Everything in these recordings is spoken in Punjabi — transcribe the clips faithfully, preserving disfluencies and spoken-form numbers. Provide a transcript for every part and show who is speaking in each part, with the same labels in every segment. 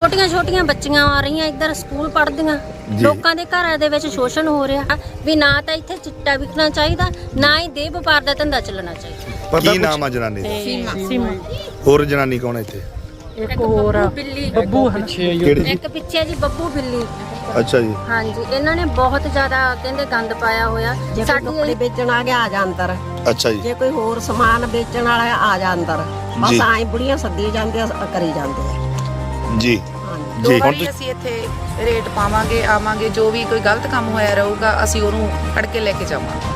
Speaker 1: ਛੋਟੀਆਂ ਛੋਟੀਆਂ ਬੱਚੀਆਂ ਆ ਰਹੀਆਂ ਇੱਧਰ ਸਕੂਲ ਪੜ੍ਹਦੀਆਂ ਲੋਕਾਂ ਦੇ ਘਰਾਂ ਦੇ ਵਿੱਚ ਸ਼ੋਸ਼ਣ ਹੋ ਰਿਹਾ ਵੀ ਨਾ ਤਾਂ ਇੱਥੇ ਚਿੱਟਾ ਵਿਕਣਾ ਚਾਹੀਦਾ ਨਾ ਹੀ ਦੇਹ ਵਪਾਰ ਦਾ ਧੰਦਾ ਚੱਲਣਾ ਚਾਹੀਦਾ।
Speaker 2: ਕੀ ਨਾਮ ਆ ਜਨਾਨੀ ਦਾ?
Speaker 3: ਸੀਮਾ।
Speaker 2: ਹੋਰ ਜਨਾਨੀ ਕੌਣ ਹੈ ਇੱਥੇ?
Speaker 3: ਇੱਕ ਹੋਰ
Speaker 1: ਬਿੱਲੀ
Speaker 3: ਬੱਬੂ ਪਿੱਛੇ
Speaker 1: ਇੱਕ ਪਿੱਛੇ ਜੀ ਬੱਬੂ ਬਿੱਲੀ।
Speaker 2: ਅੱਛਾ ਜੀ।
Speaker 1: ਹਾਂਜੀ ਇਹਨਾਂ ਨੇ ਬਹੁਤ ਜ਼ਿਆਦਾ ਕਹਿੰਦੇ ਗੰਦ ਪਾਇਆ ਹੋਇਆ।
Speaker 4: ਸਾਡੇ ਕੱਪੜੇ ਵੇਚਣ ਆ ਗਿਆ ਆ ਜਾ ਅੰਦਰ।
Speaker 2: ਅੱਛਾ ਜੀ।
Speaker 4: ਜੇ ਕੋਈ ਹੋਰ ਸਮਾਨ ਵੇਚਣ ਵਾਲਾ ਆ ਜਾ ਅੰਦਰ। ਬਸ ਆਏ ਬੁੜੀਆਂ ਸੱਦੀ ਜਾਂਦੇ ਆ ਕਰੀ ਜਾਂਦੇ ਆ
Speaker 2: ਜੀ
Speaker 5: ਦੋ ਵਾਰੀ ਅਸੀਂ ਇੱਥੇ ਰੇਟ ਪਾਵਾਂਗੇ ਆਵਾਂਗੇ ਜੋ ਵੀ ਕੋਈ ਗਲਤ ਕੰਮ ਹੋਇਆ ਰਹੂਗਾ ਅਸੀਂ ਉਹਨੂੰ ਫੜ ਕੇ ਲੈ ਕੇ ਜਾਵਾਂਗੇ।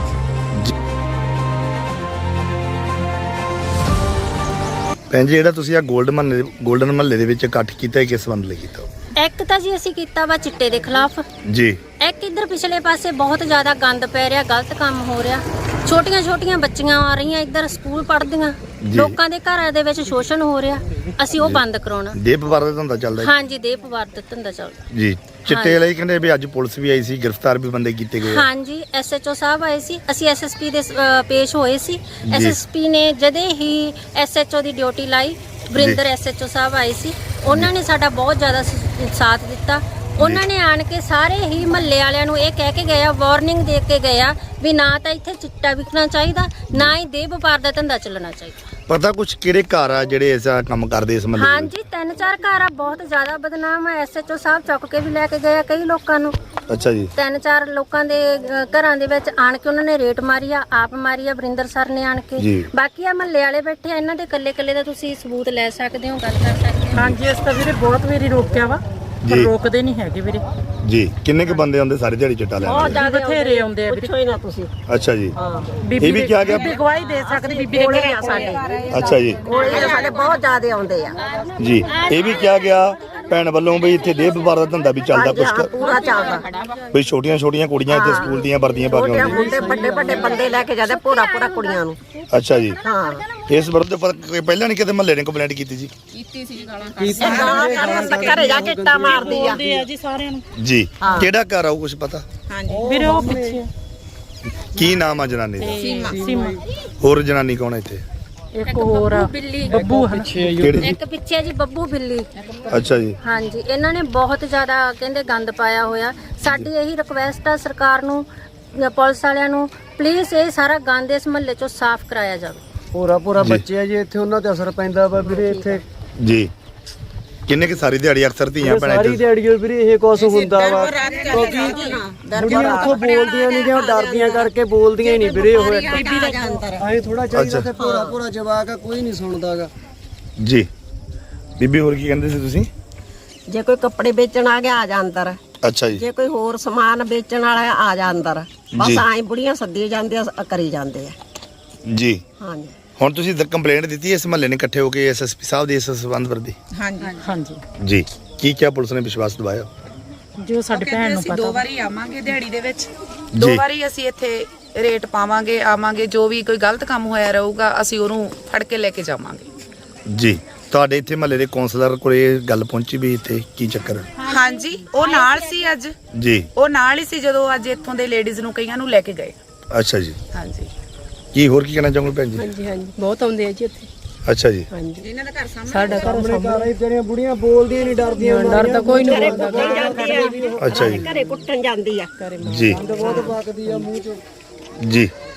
Speaker 2: ਭੈਣ ਜੀ ਜਿਹੜਾ ਤੁਸੀਂ ਆ ਗੋਲਡ ਮਹੱਲੇ ਗੋਲਡਨ ਮਹੱਲੇ ਦੇ ਵਿੱਚ ਇਕੱਠ ਕੀਤਾ ਕਿਸ ਸੰਬੰਧ ਲਈ ਕੀਤਾ?
Speaker 1: ਇੱਕ ਤਾਂ ਜੀ ਅਸੀਂ ਕੀਤਾ ਵਾ ਚਿੱਟੇ ਦੇ ਖਿਲਾਫ
Speaker 2: ਜੀ।
Speaker 1: ਇੱਕ ਇੱਧਰ ਪਿਛਲੇ ਪਾਸੇ ਬਹੁਤ ਜ਼ਿਆਦਾ ਗੰਦ ਪੈ ਰਿਹਾ ਗਲਤ ਕੰਮ ਹੋ ਰਿਹਾ। ਛੋਟੀਆਂ ਛੋਟੀਆਂ ਬੱਚੀਆਂ ਆ ਰਹੀਆਂ ਇੱਧਰ ਸਕੂਲ ਪੜ੍ਹਦੀਆਂ ਲੋਕਾਂ ਦੇ ਘਰਾਂ ਦੇ ਵਿੱਚ ਸ਼ੋਸ਼ਣ ਹੋ ਰਿਹਾ। ਅਸੀਂ ਉਹ ਬੰਦ ਕਰਾਉਣਾ।
Speaker 2: ਦੇਹ ਵਪਾਰ ਦਾ ਧੰਦਾ ਚੱਲਦਾ?
Speaker 1: ਹਾਂਜੀ ਦੇਹ ਵਪਾਰ ਦਾ ਧੰਦਾ ਚੱਲਦਾ
Speaker 2: ਜੀ। ਚਿੱਟੇ ਲਈ ਕਹਿੰਦੇ ਵੀ ਅੱਜ ਪੁਲਿਸ ਵੀ ਆਈ ਸੀ ਗ੍ਰਿਫਤਾਰ ਵੀ ਬੰਦੇ ਕੀਤੇ ਗਏ।
Speaker 1: ਹਾਂਜੀ ਐਸਐਚਓ ਸਾਹਿਬ ਆਏ ਸੀ ਅਸੀਂ ਐਸਐਸਪੀ ਦੇ ਅ, ਪੇਸ਼ ਹੋਏ ਸੀ। ਐਸਐਸਪੀ ਨੇ ਜਦੇ ਹੀ ਐਸਐਚਓ ਦੀ ਡਿਊਟੀ ਲਾਈ। ਵਰਿੰਦਰ ਐਸਐਚਓ ਸਾਹਿਬ ਆਏ ਸੀ ਉਹਨਾਂ ਨੇ ਸਾਡਾ ਬਹੁਤ ਜ਼ਿਆਦਾ ਸਾਥ ਦਿੱਤਾ। ਉਹਨਾਂ ਨੇ ਆਣ ਕੇ ਸਾਰੇ ਹੀ ਮਹੱਲੇ ਵਾਲਿਆਂ ਨੂੰ ਇਹ ਕਹਿ ਕੇ ਗਏ ਆ ਵਾਰਨਿੰਗ ਦੇ ਕੇ ਗਏ ਆ ਵੀ ਨਾ ਤਾਂ ਇੱਥੇ ਚਿੱਟਾ ਵਿਕਣਾ ਚਾਹੀਦਾ ਨਾ ਹੀ ਦੇਹ ਵਪਾਰ ਦਾ ਧੰਦਾ ਚੱਲਣਾ ਚਾਹੀਦਾ।
Speaker 2: ਪਤਾ ਕੁਛ ਕਿਹੜੇ ਘਰ ਆ ਜਿਹੜੇ ਐਸਾ ਕੰਮ ਕਰਦੇ ਇਸ ਮਹੱਲੇ?
Speaker 1: ਹਾਂਜੀ ਤਿੰਨ ਚਾਰ ਘਰ ਆ ਬਹੁਤ ਜ਼ਿਆਦਾ ਬਦਨਾਮ ਆ। ਐਸਐਚਓ ਸਾਹਿਬ ਚੁੱਕ ਕੇ ਵੀ ਲੈ ਕੇ ਗਏ ਆ ਕਈ ਲੋਕਾਂ ਨੂੰ।
Speaker 2: ਅੱਛਾ ਜੀ।
Speaker 1: ਤਿੰਨ ਚਾਰ ਲੋਕਾਂ ਦੇ ਅ, ਘਰਾਂ ਦੇ ਵਿੱਚ ਆਣ ਕੇ ਉਹਨਾਂ ਨੇ ਰੇਟ ਮਾਰੀ ਆ ਆਪ ਮਾਰੀ ਆ ਵਰਿੰਦਰ ਸਰ ਨੇ ਆਣ ਕੇ। ਬਾਕੀ ਆ ਮਹੱਲੇ ਵਾਲੇ ਬੈਠੇ ਆ ਇਹਨਾਂ ਦੇ ਕੱਲੇ ਕੱਲੇ ਦਾ ਤੁਸੀਂ ਸਬੂਤ ਲੈ ਸਕਦੇ ਹੋ ਗੱਲ ਕਰ ਸਕਦੇ ਹੋ।
Speaker 3: ਹਾਂਜੀ ਇਸ ਤਾਂ ਵੀਰੇ ਬਹੁਤ ਵਾਰੀ ਰੋਕਿਆ ਵਾ ਪਰ ਰੋਕਦੇ ਨਹੀਂ ਹੈਗੇ ਵੀਰੇ
Speaker 2: ਜੀ। ਕਿੰਨੇ ਕ ਬੰਦੇ ਆਉਂਦੇ ਸਾਰੇ ਦਿਹਾੜੀ ਚਿੱਟਾ ਲੈਣ?
Speaker 3: ਬਹੁਤ ਜ਼ਿਆਦਾ ਬਥੇਰੇ ਆਉਂਦੇ ਆ ਵੀਰੇ।
Speaker 4: ਪੁੱਛੋ ਹੀ ਨਾ ਤੁਸੀਂ।
Speaker 2: ਅੱਛਾ ਜੀ।
Speaker 3: ਬੀਬੀ
Speaker 2: ਇਹ ਵੀ ਕਿਹਾ ਗਿਆ?
Speaker 3: ਬੀਬੀ ਗਵਾਹੀ ਦੇ ਸਕਦੀ ਬੀਬੀ ਦੇ
Speaker 4: ਕੋਲੇ
Speaker 3: ਘਰੇ
Speaker 4: ਆ ਸਾਡੇ
Speaker 2: ਅੱਛਾ ਜੀ।
Speaker 4: ਕੋਲੇ ਸਾਡੇ ਬਹੁਤ ਜ਼ਿਆਦੇ ਆਉਂਦੇ ਆ।
Speaker 2: ਜੀ। ਇਹ ਵੀ ਕਿਹਾ ਗਿਆ ਭੈਣ ਵੱਲੋਂ ਵੀ ਇੱਥੇ ਦੇਹ ਵਪਾਰ ਦਾ ਧੰਦਾ ਵੀ ਚੱਲਦਾ
Speaker 4: ਹਾਂਜੀ, ਹਾਂ,
Speaker 2: ਕੁਛ
Speaker 4: ਪੂਰਾ ਚੱਲਦਾ।
Speaker 2: ਵੀ ਛੋਟੀਆਂ ਛੋਟੀਆਂ ਕੁੜੀਆਂ ਇੱਥੇ ਸਕੂਲ ਦੀਆਂ ਵਰਦੀਆਂ ਪਾ ਕੇ
Speaker 4: ਛੋਟੇ
Speaker 2: ਆਉਂਦੀਆਂ।
Speaker 4: ਮੁੰਡੇ ਵੱਡੇ ਵੱਡੇ ਬੰਦੇ ਲੈ ਕੇ ਜਾਂਦੇ ਪੂਰਾ ਪੂਰਾ ਕੁੜੀਆਂ ਨੂੰ।
Speaker 2: ਅੱਛਾ ਜੀ।
Speaker 4: ਹਾਂ
Speaker 2: ਇਸ ਵਿਰੁੱਧ ਪਰ- ਪਹਿਲਾਂ ਨਹੀਂ ਕਿਤੇ ਮਹੱਲੇ ਨੇ ਕੰਪਲੇਂਟ ਕੀਤੀ ਜੀ?
Speaker 4: ਘਰੇ ਜਾ ਕੇ ਇੱਟਾਂ ਮਾਰਦੀ ਆ
Speaker 3: ਜੀ ਸਾਰਿਆਂ ਨੂੰ।
Speaker 2: ਜੀ। ਕਿਹੜਾ ਘਰ ਆਊ ਕੁਛ ਪਤਾ?
Speaker 3: ਵੀਰੇ ਉਹ ਪਿੱਛੇ
Speaker 2: ਕੀ ਨਾਮ ਆ ਜਨਾਨੀ ਦਾ?
Speaker 3: ਸੀਮਾ।
Speaker 2: ਹੋਰ ਜਨਾਨੀ ਕੌਣ ਹੈ ਇੱਥੇ?
Speaker 3: ਇੱਕ ਹੋਰ
Speaker 1: ਬਿੱਲੀ
Speaker 3: ਬੱਬੂ ਪਿੱਛੇ
Speaker 2: ਕਿਹੜੀ?
Speaker 1: ਇੱਕ ਪਿੱਛੇ ਜੀ ਬੱਬੂ ਬਿੱਲੀ।
Speaker 2: ਅੱਛਾ ਜੀ।
Speaker 1: ਹਾਂਜੀ ਇਹਨਾਂ ਨੇ ਬਹੁਤ ਜ਼ਿਆਦਾ ਕਹਿੰਦੇ ਗੰਦ ਪਾਇਆ ਹੋਇਆ। ਸਾਡੀ ਇਹੀ ਰਿਕੁਐਸਟ ਆ ਸਰਕਾਰ ਨੂੰ ਜਾਂ ਪੁਲਿਸ ਵਾਲਿਆਂ ਨੂੰ ਪਲੀਜ਼ ਇਹ ਸਾਰਾ ਗੰਦ ਇਸ ਮਹੱਲੇ ਚੋਂ ਸਾਫ਼ ਕਰਾਇਆ ਜਾਵੇ।
Speaker 6: ਪੂਰਾ ਪੂਰਾ ਬੱਚੇ ਆ ਜੀ ਇੱਥੇ ਉਹਨਾਂ ਤੇ ਅਸਰ ਪੈਂਦਾ ਵਾ ਵੀਰੇ ਇੱਥੇ।
Speaker 2: ਜੀ। ਕਿੰਨੇ ਕਿ ਸਾਰੀ ਦਿਹਾੜੀ ਅਕਸਰ ਧੀਆਂ ਭੈਣਾਂ
Speaker 6: ਸਾਰੀ
Speaker 2: ਇੱਥੇ
Speaker 6: ਦਿਹਾੜੀ ਵੀਰੇ ਇਹ ਕੁਛ ਹੁੰਦਾ ਵਾ ਬੁੜੀਆਂ ਉੱਥੋਂ ਬੋਲਦੀਆਂ ਨਹੀਂ ਜਾਂ ਡਰਦੀਆਂ ਕਰਕੇ ਬੋਲਦੀਆਂ ਹੀ ਨਹੀਂ ਵੀਰੇ ਉਹ ਇੱਕ ਆਏ ਥੋੜਾ ਚਾਹੀਦਾ ਤੇ ਪੂਰਾ ਪੂਰਾ ਜਵਾਕ ਆ ਕੋਈ ਨਹੀਂ ਸੁਣਦਾਗਾ।
Speaker 2: ਜੀ। ਬੀਬੀ ਹੋਰ ਕੀ ਕਹਿੰਦੇ ਸੀ ਤੁਸੀਂ?
Speaker 4: ਜੇ ਕੋਈ ਕੱਪੜੇ ਵੇਚਣ ਆ ਗਿਆ ਆ ਜਾ ਅੰਦਰ।
Speaker 2: ਅੱਛਾ ਜੀ।
Speaker 4: ਜੇ ਕੋਈ ਹੋਰ ਸਮਾਨ ਵੇਚਣ ਵਾਲਾ ਆ ਜਾ ਅੰਦਰ। ਬਸ ਆਏ ਬੁੜੀਆਂ ਸੱਦੀ ਜਾਂਦੇ ਆ ਕਰੀ ਜਾਂਦੇ ਆ।
Speaker 2: ਜੀ।
Speaker 4: ਹਾਂਜੀ।
Speaker 2: ਹੁਣ ਤੁਸੀਂ ਕੰਪਲੇਂਟ ਦਿੱਤੀ ਇਸ ਮਹੱਲੇ ਨੇ ਇਕੱਠੇ ਹੋ ਕੇ ਐਸਐਸਪੀ ਸਾਹਿਬ ਦੇ ਇਸ ਸੰਬੰਧ ਵਰਦੀ?
Speaker 5: ਹਾਂਜੀ
Speaker 3: ਹਾਂਜੀ
Speaker 2: ਜੀ। ਕੀ ਕਿਹਾ ਪੁਲਿਸ ਨੇ ਵਿਸ਼ਵਾਸ ਦਿਵਾਇਆ?
Speaker 3: ਜੋ ਸਾਡੇ ਭੈਣ ਨੂੰ
Speaker 5: ਅਸੀਂ
Speaker 3: ਪਤਾ।
Speaker 5: ਦੋ ਵਾਰੀ ਆਵਾਂਗੇ ਦਿਹਾੜੀ ਦੇ ਵਿੱਚ ਦੋ ਵਾਰੀ ਅਸੀਂ ਇੱਥੇ ਰੇਟ ਪਾਵਾਂਗੇ ਆਵਾਂਗੇ ਜੋ ਵੀ ਕੋਈ ਗਲਤ ਕੰਮ ਹੋਇਆ ਰਹੂਗਾ ਅਸੀਂ ਉਹਨੂੰ ਫੜ ਕੇ ਲੈ ਕੇ ਜਾਵਾਂਗੇ।
Speaker 2: ਜੀ। ਤੁਹਾਡੇ ਇੱਥੇ ਮਹੱਲੇ ਦੇ ਕਾਉਂਸਲਰ ਕੋਲੇ ਗੱਲ ਪਹੁੰਚੀ ਵੀ ਇੱਥੇ ਕੀ ਚੱਕਰ ਹੈ?
Speaker 5: ਹਾਂਜੀ ਉਹ ਨਾਲ ਸੀ ਅੱਜ।
Speaker 2: ਜੀ।
Speaker 5: ਉਹ ਨਾਲ ਹੀ ਸੀ ਜਦੋਂ ਅੱਜ ਇੱਥੋਂ ਦੇ ਲੇਡੀਜ਼ ਨੂੰ ਕਈਆਂ ਨੂੰ ਲੈ ਕੇ ਗਏ।
Speaker 2: ਅੱਛਾ ਜੀ।
Speaker 5: ਹਾਂਜੀ।
Speaker 2: ਕੀ ਹੋਰ ਕੀ ਕਹਿਣਾ ਚਾਹੋਗੇ ਭੈਣ ਜੀ?
Speaker 3: ਹਾਂਜੀ ਹਾਂਜੀ ਬਹੁਤ ਆਉਂਦੇ ਆ ਜੀ ਇੱਥੇ।
Speaker 2: ਅੱਛਾ ਜੀ।
Speaker 3: ਹਾਂਜੀ
Speaker 5: ਇਹਨਾਂ ਦਾ ਘਰ ਸਾਹਮਣੇ
Speaker 3: ਸਾਡਾ ਘਰ ਸਾਹਮਣੇ
Speaker 6: ਜਿਹੜੀਆਂ ਬੁੜੀਆਂ ਬੋਲਦੀਆਂ ਨਹੀਂ ਡਰਦੀਆਂ
Speaker 3: ਡਰਦਾ ਕੋਈ ਨਹੀਂ
Speaker 4: ਘਰੇ
Speaker 3: ਬੋਲਦਾ।
Speaker 4: ਕੁੱਟਣ ਜਾਂਦੀ ਆ।
Speaker 2: ਅੱਛਾ ਜੀ।
Speaker 4: ਘਰੇ ਕੁੱਟਣ ਜਾਂਦੀ ਆ।
Speaker 2: ਜੀ।
Speaker 6: ਬਹੁਤ ਵਗਦੀ ਆ ਮੂੰਹ ਚੋਂ।
Speaker 2: ਜੀ।